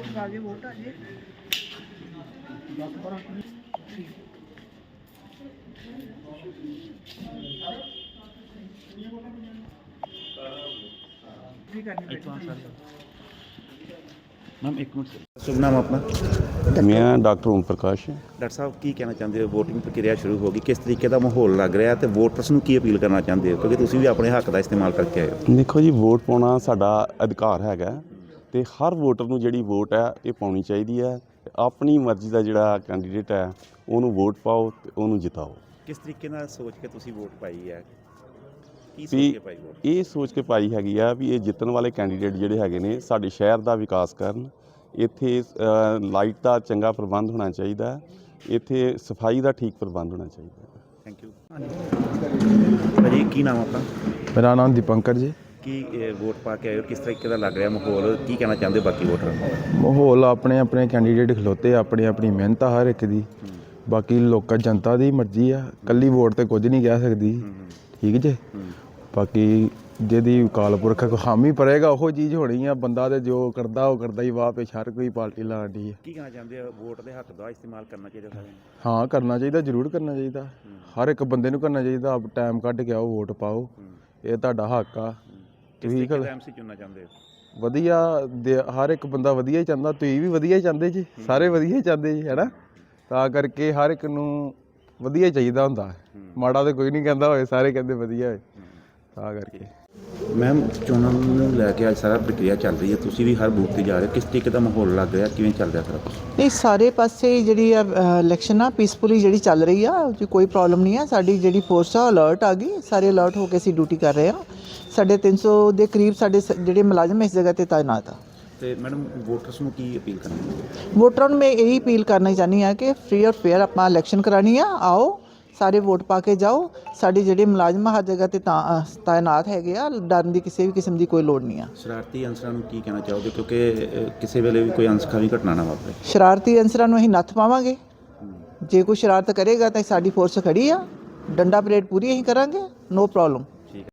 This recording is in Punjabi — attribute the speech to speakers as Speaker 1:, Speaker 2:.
Speaker 1: आगे वोट आ जाए।
Speaker 2: मैम एक मिनट, शुभ नाम अपना?
Speaker 3: मैं डॉक्टर ओम प्रकाश।
Speaker 2: डॉक्टर साहब की कहना चाहते हो, वोटिंग प्रक्रिया शुरू होगी, किस तरीके का माहौल लग ਰਿਹਾ ਤੇ ਵੋਟਰਸ ਨੂੰ ਕੀ ਅਪੀਲ ਕਰਨਾ ਚਾਹੁੰਦੇ ਹੋ ਕਿਉਂਕਿ ਤੁਸੀਂ ਵੀ ਆਪਣੇ ਹੱਕ ਦਾ ਇਸਤੇਮਾਲ ਕਰਕੇ ਆਏ ਹੋ?
Speaker 3: ਦੇਖੋ ਜੀ, ਵੋਟ ਪਾਉਣਾ ਸਾਡਾ ਅਧਿਕਾਰ ਹੈਗਾ ਤੇ ਹਰ ਵੋਟਰ ਨੂੰ ਜਿਹੜੀ ਵੋਟ ਹੈ ਇਹ ਪਾਉਣੀ ਚਾਹੀਦੀ ਹੈ। ਆਪਣੀ ਮਰਜ਼ੀ ਦਾ ਜਿਹੜਾ ਕੈਂਡੀਡੇਟ ਹੈ ਉਹਨੂੰ ਵੋਟ ਪਾਓ ਤੇ ਉਹਨੂੰ ਜਿਤਾਓ।
Speaker 2: ਕਿਸ ਤਰੀਕੇ ਨਾਲ ਸੋਚ ਕੇ ਤੁਸੀਂ ਵੋਟ ਪਾਈ ਹੈ? ਕੀ ਸੋਚ
Speaker 3: ਵੀ
Speaker 2: ਕੇ ਪਾਈ ਵੋਟ?
Speaker 3: ਇਹ ਸੋਚ ਕੇ ਪਾਈ ਹੈਗੀ ਆ ਵੀ ਇਹ ਜਿੱਤਣ ਵਾਲੇ ਕੈਂਡੀਡੇਟ ਜਿਹੜੇ ਹੈਗੇ ਨੇ ਸਾਡੇ ਸ਼ਹਿਰ ਦਾ ਵਿਕਾਸ ਕਰਨ। ਇੱਥੇ ਲਾਈਟ ਦਾ ਚੰਗਾ ਪ੍ਰਬੰਧ ਹੋਣਾ ਚਾਹੀਦਾ, ਇੱਥੇ ਸਫਾਈ ਦਾ ਠੀਕ ਪ੍ਰਬੰਧ ਹੋਣਾ ਚਾਹੀਦਾ।
Speaker 2: ਥੈਂਕ ਯੂ ਭਾਜੀ, ਕੀ ਨਾਮ ਆਪਣਾ?
Speaker 4: ਮੇਰਾ ਨਾਮ ਦੀਪੰਕਰ ਜੀ।
Speaker 2: ਕੀ ਵੋਟ ਪਾ ਕੇ ਆਏ ਹੋ, ਕਿਸ ਤਰੀਕੇ ਦਾ ਲੱਗ ਰਿਹਾ ਮਾਹੌਲ, ਕੀ ਕਹਿਣਾ ਚਾਹੁੰਦੇ ਹੋ ਬਾਕੀ ਵੋਟਰਾਂ ਨੂੰ?
Speaker 4: ਮਾਹੌਲ ਆਪਣੇ ਆਪਣੇ ਕੈਂਡੀਡੇਟ ਖਲੋਤੇ, ਆਪਣੀ ਆਪਣੀ ਮਿਹਨਤ ਆ ਹਰ ਇੱਕ ਦੀ। ਬਾਕੀ ਲੋਕਾਂ ਜਨਤਾ ਦੀ ਮਰਜ਼ੀ ਆ, ਇਕੱਲੀ ਵੋਟ ਤੇ ਕੁਝ ਨਹੀਂ ਕਹਿ ਸਕਦੀ। ਠੀਕ ਜੇ, ਬਾਕੀ ਜਿਹਦੀ ਅਕਾਲ ਪੁਰਖ ਹਾਮੀ ਭਰੇਗਾ ਉਹ ਚੀਜ਼ ਹੋਣੀ ਆ। ਬੰਦਾ ਤੇ ਜੋ ਕਰਦਾ ਉਹ ਕਰਦਾ ਹੀ, ਵਾਹ ਪੇਸ਼ ਹਰ ਕੋਈ ਪਾਰਟੀ ਲਾਉਂਦੀ ਹੈ।
Speaker 2: ਕੀ ਕਹਿਣਾ ਚਾਹੁੰਦੇ ਹੋ, ਵੋਟ ਦੇ ਹੱਕ ਦਾ ਇਸਤੇਮਾਲ ਕਰਨਾ ਚਾਹੀਦਾ ਸਾਰਿਆਂ ਨੂੰ?
Speaker 4: ਹਾਂ, ਕਰਨਾ ਚਾਹੀਦਾ, ਜ਼ਰੂਰ ਕਰਨਾ ਚਾਹੀਦਾ। ਹਰ ਇੱਕ ਬੰਦੇ ਨੂੰ ਕਰਨਾ ਚਾਹੀਦਾ। ਆਪ ਟਾਈਮ ਕੱਢ ਕੇ ਆਓ, ਵੋਟ ਪਾਓ, ਇਹ ਤੁਹਾਡਾ ਹੱਕ ਆ।
Speaker 2: ਤੁਸੀਂ ਐਮਸੀ ਚੁਣਨਾ ਚਾਹੁੰਦੇ ਹੋ?
Speaker 4: ਵਧੀਆ ਹਰ ਇੱਕ ਬੰਦਾ ਵਧੀਆ ਹੀ ਚਾਹੁੰਦਾ, ਤੁਸੀਂ ਵੀ ਵਧੀਆ ਹੀ ਚਾਹੁੰਦੇ ਜੀ, ਸਾਰੇ ਵਧੀਆ ਹੀ ਚਾਹੁੰਦੇ ਜੀ, ਹੈ ਨਾ। ਤਾਂ ਕਰਕੇ ਹਰ ਇੱਕ ਨੂੰ ਵਧੀਆ ਹੀ ਚਾਹੀਦਾ ਹੁੰਦਾ, ਮਾੜਾ ਤਾਂ ਕੋਈ ਨਹੀਂ ਕਹਿੰਦਾ ਹੋਏ, ਸਾਰੇ ਕਹਿੰਦੇ ਵਧੀਆ ਹੋਏ। ਤਾਂ ਕਰਕੇ
Speaker 2: ਮੈਮ, ਚੋਣਾਂ ਨੂੰ ਲੈ ਕੇ ਅੱਜ ਸਾਰਾ ਪ੍ਰਕਿਰਿਆ ਚੱਲ ਰਹੀ ਹੈ, ਤੁਸੀਂ ਵੀ ਹਰ ਬੂਥ 'ਤੇ ਜਾ ਰਹੇ ਹੋ, ਕਿਸ ਤਰੀਕੇ ਦਾ ਮਾਹੌਲ ਲੱਗ ਰਿਹਾ, ਕਿਵੇਂ ਚੱਲ ਰਿਹਾ ਸਾਰਾ ਕੁਛ?
Speaker 1: ਨਹੀਂ, ਸਾਰੇ ਪਾਸੇ ਜਿਹੜੀ ਆ ਇਲੈਕਸ਼ਨ ਆ ਪੀਸਫੁਲੀ ਜਿਹੜੀ ਚੱਲ ਰਹੀ ਆ, ਉਹ 'ਚ ਕੋਈ ਪ੍ਰੋਬਲਮ ਨਹੀਂ ਆ। ਸਾਡੀ ਜਿਹੜੀ ਫੋਰਸ ਆ ਅਲਰਟ ਆ ਗਈ, ਸਾਰੇ ਅਲਰਟ ਹੋ ਕੇ ਅਸੀਂ ਡਿਊਟੀ ਕਰ ਰਹੇ ਆ। ਸਾਡੇ 300 ਦੇ ਕਰੀਬ ਸਾਡੇ ਜਿਹੜੇ ਮੁਲਾਜ਼ਮ ਇਸ ਜਗ੍ਹਾ 'ਤੇ ਤਾਇਨਾਤ ਆ।
Speaker 2: ਤੇ ਮੈਡਮ, ਵੋਟਰਸ ਨੂੰ ਕੀ ਅਪੀਲ ਕਰਨੀ?
Speaker 1: ਵੋਟਰਾਂ ਨੂੰ ਮੈਂ ਇਹੀ ਅਪੀਲ ਕਰਨਾ ਚਾਹੁੰਦੀ ਹਾਂ ਕਿ ਫ੍ਰੀ ਔਰ ਫੇਅਰ ਆਪਾਂ ਇਲੈਕਸ਼ਨ ਕਰਾਉਣੀ ਆ। ਆਓ, ਸਾਰੇ ਵੋਟ ਪਾ ਕੇ ਜਾਓ। ਸਾਡੇ ਜਿਹੜੇ ਮੁਲਾਜ਼ਮ ਹਰ ਜਗ੍ਹਾ 'ਤੇ ਤਾਇਨਾਤ ਹੈਗੇ ਆ, ਡਰਨ ਦੀ ਕਿਸੇ ਵੀ ਕਿਸਮ ਦੀ ਕੋਈ ਲੋੜ ਨਹੀਂ ਆ।
Speaker 2: ਸ਼ਰਾਰਤੀ ਅਨਸਰਾਂ ਨੂੰ ਕੀ ਕਹਿਣਾ ਚਾਹੋਗੇ, ਕਿਉਂਕਿ ਕਿਸੇ ਵੇਲੇ ਵੀ ਕੋਈ ਅਨਸਖਾਵੀ ਘਟਨਾ ਨਾ ਵਾਪਰੇ?
Speaker 1: ਸ਼ਰਾਰਤੀ ਅਨਸਰਾਂ ਨੂੰ ਅਸੀਂ ਨੱਥ ਪਾਵਾਂਗੇ। ਜੇ ਕੋਈ ਸ਼ਰਾਰਤ ਕਰੇਗਾ ਤਾਂ ਸਾਡੀ ਫੋਰਸ ਖੜੀ ਆ, ਡੰਡਾ ਪਰੇਡ ਪੂਰੀ ਅਸੀਂ ਕਰਾਂਗੇ, ਨੋ ਪ੍ਰੋਬਲਮ।